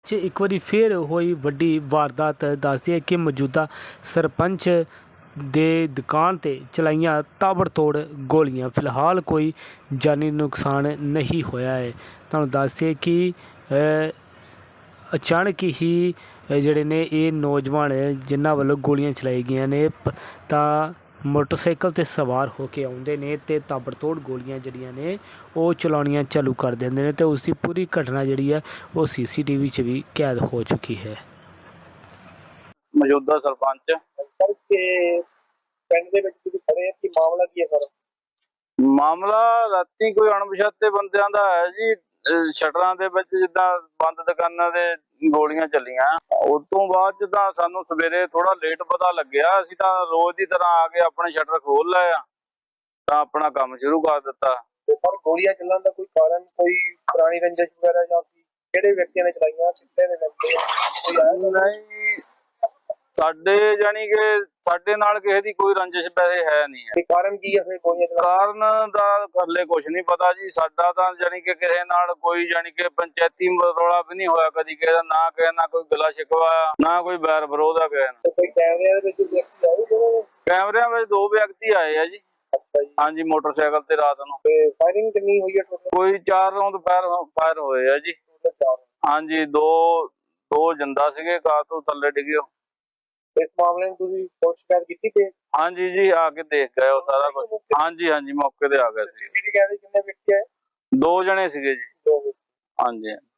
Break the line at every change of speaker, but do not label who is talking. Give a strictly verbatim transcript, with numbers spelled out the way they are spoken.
'ਚ ਇੱਕ ਵਾਰੀ ਫਿਰ ਹੋਈ ਵੱਡੀ ਵਾਰਦਾਤ। ਦੱਸਦੀ ਹੈ ਕਿ ਮੌਜੂਦਾ ਸਰਪੰਚ ਦੇ ਦੁਕਾਨ 'ਤੇ ਚਲਾਈਆਂ ਤਾਬੜਤੋੜ ਗੋਲੀਆਂ। ਫਿਲਹਾਲ ਕੋਈ ਜਾਨੀ ਨੁਕਸਾਨ ਨਹੀਂ ਹੋਇਆ ਹੈ। ਤੁਹਾਨੂੰ ਦੱਸਦੇ ਕਿ ਅਚਾਨਕ ਹੀ ਜਿਹੜੇ ਨੇ ਇਹ ਨੌਜਵਾਨ ਜਿਨ੍ਹਾਂ ਵੱਲੋਂ ਗੋਲੀਆਂ ਚਲਾਈ ਗਈਆਂ ਨੇ ਤਾਂ ਮੋਟਰਸਾਈਕਲ 'ਤੇ ਸਵਾਰ ਹੋ ਕੇ ਆਉਂਦੇ ਨੇ ਅਤੇ ਤਾਬੜਤੋੜ ਗੋਲੀਆਂ ਜਿਹੜੀਆਂ ਨੇ ਉਹ ਚਲਾਉਣੀਆਂ ਚਾਲੂ ਕਰ ਦਿੰਦੇ ਨੇ ਅਤੇ ਉਸ ਦੀ ਪੂਰੀ ਘਟਨਾ ਜਿਹੜੀ ਹੈ ਉਹ ਸੀ ਸੀ ਟੀ ਵੀ 'ਚ ਵੀ ਕੈਦ ਹੋ ਚੁੱਕੀ ਹੈ।
ਮੌਜੂਦਾ ਸਰਪੰਚ
ਸਰ ਕਿ ਪਿੰਡ ਦੇ ਵਿੱਚ ਤੁਸੀਂ ਖੜੇ ਕੀ ਮਾਮਲਾ ਕੀ ਹੈ ਸਰ?
ਮਾਮਲਾ ਰਾਤੀ ਕੋਈ ਅਣਪਛਾਤੇ ਬੰਦਿਆਂ ਦਾ ਹੈ ਜੀ। ਸ਼ਟਰਾਂ ਦੇ ਵਿੱਚ ਜਿੱਦਾਂ ਬੰਦ ਦੁਕਾਨਾਂ ਦੇ ਗੋਲੀਆਂ ਚੱਲੀਆਂ। ਉਸ ਤੋਂ ਬਾਅਦ ਚ ਤਾਂ ਸਾਨੂੰ ਸਵੇਰੇ ਥੋੜਾ ਲੇਟ ਪਤਾ ਲੱਗਿਆ। ਅਸੀਂ ਤਾਂ ਰੋਜ਼ ਦੀ ਤਰ੍ਹਾਂ ਆ ਕੇ ਆਪਣੇ ਸ਼ਟਰ ਖੋਲ ਲਏ ਆ ਤਾਂ ਆਪਣਾ ਕੰਮ ਸ਼ੁਰੂ ਕਰ ਦਿੱਤਾ।
ਤੇ ਸਰ ਗੋਲੀਆਂ ਚੱਲਣ ਦਾ ਕੋਈ ਕਾਰਨ, ਕੋਈ ਪੁਰਾਣੀ ਰੰਜਿਸ਼ ਵਗੈਰਾ ਜਾਂ ਕਿਹੜੇ ਵਿਅਕਤੀਆਂ ਨੇ ਚਲਾਈਆਂ, ਕਿੱਥੇ ਨੇ ਕੋਈ ਆਇਆ?
ਨਹੀਂ ਸਾਡੇ ਜਾਨੀ ਕਿ ਸਾਡੇ ਨਾਲ ਕਿਸੇ ਦੀ ਕੋਈ ਰੰਜਿਸ਼ ਪੈਸੇ ਹੈ ਨਹੀਂ ਹੈ।
ਕਾਰਨ ਕੀ ਹੈ ਫਿਰ ਗੋਲੀਆਂ ਚਲਾਉਣ
ਕਾਰਨ ਦਾ ਹਲੇ ਕੁਛ ਨਹੀਂ ਪਤਾ ਜੀ। ਸਾਡਾ ਤਾਂ ਜਾਨੀ ਕਿ ਕਿਸੇ ਨਾਲ ਕੋਈ ਜਾਨੀ ਕਿ ਪੰਚਾਇਤੀ ਰੌਲਾ ਵੀ ਨਹੀਂ ਹੋਇਆ ਕਦੀ ਕਿਸੇ ਦਾ, ਨਾ ਕਿਸੇ ਨਾਲ ਕੋਈ ਗਲਾ ਸ਼ਿਕਵਾ ਨਾ ਕੋਈ ਬੈਰ ਵਿਰੋਧ ਆ ਕਿਸੇ ਨਾਲ।
ਕੋਈ ਕੈਮਰਿਆਂ ਦੇ ਵਿੱਚ ਵਿਅਕਤੀ ਆਏ ਜਿਹੜੇ?
ਕੈਮਰਿਆਂ ਵਿੱਚ ਦੋ ਵਿਅਕਤੀ ਆਏ ਆ ਜੀ।
ਅੱਛਾ ਜੀ।
ਹਾਂਜੀ, ਮੋਟਰਸਾਈਕਲ ਤੇ ਰਾਤ ਨੂੰ।
ਤੇ ਫਾਇਰਿੰਗ ਕਿੰਨੀ ਹੋਈ ਹੈ ਟੋਟਲ?
ਕੋਈ ਚਾਰ ਰਾਉਂਡ ਫਾਇਰ ਫਾਇਰ ਹੋਏ ਆ ਜੀ। ਹਾਂਜੀ, ਦੋ ਦੋ ਜਿੰਦਾ ਸੀਗੇ, ਕਾਰ ਤੋਂ ਥੱਲੇ ਡਿੱਗੇ।
ਇਸ ਮਾਮਲੇ ਨੂੰ ਤੁਸੀਂ ਪੁਲਿਸ ਸ਼ਿਕਾਇਤ ਕੀਤੀ ਤੇ?
ਹਾਂਜੀ ਜੀ, ਆ ਕੇ ਦੇਖ ਗਏ ਉਹ ਸਾਰਾ ਕੁਝ। ਹਾਂਜੀ ਹਾਂਜੀ, ਮੌਕੇ ਤੇ ਆ ਗਏ ਸੀ।
ਸੀਸੀਟੀਵੀ ਕੈਮਰੇ ਕਿੰਨੇ ਵਿਅਕਤੀ ਆਏ?
ਦੋ ਜਣੇ ਸੀਗੇ ਜੀ।
ਦੋ ਵਿਅਕਤੀ।
ਹਾਂਜੀ।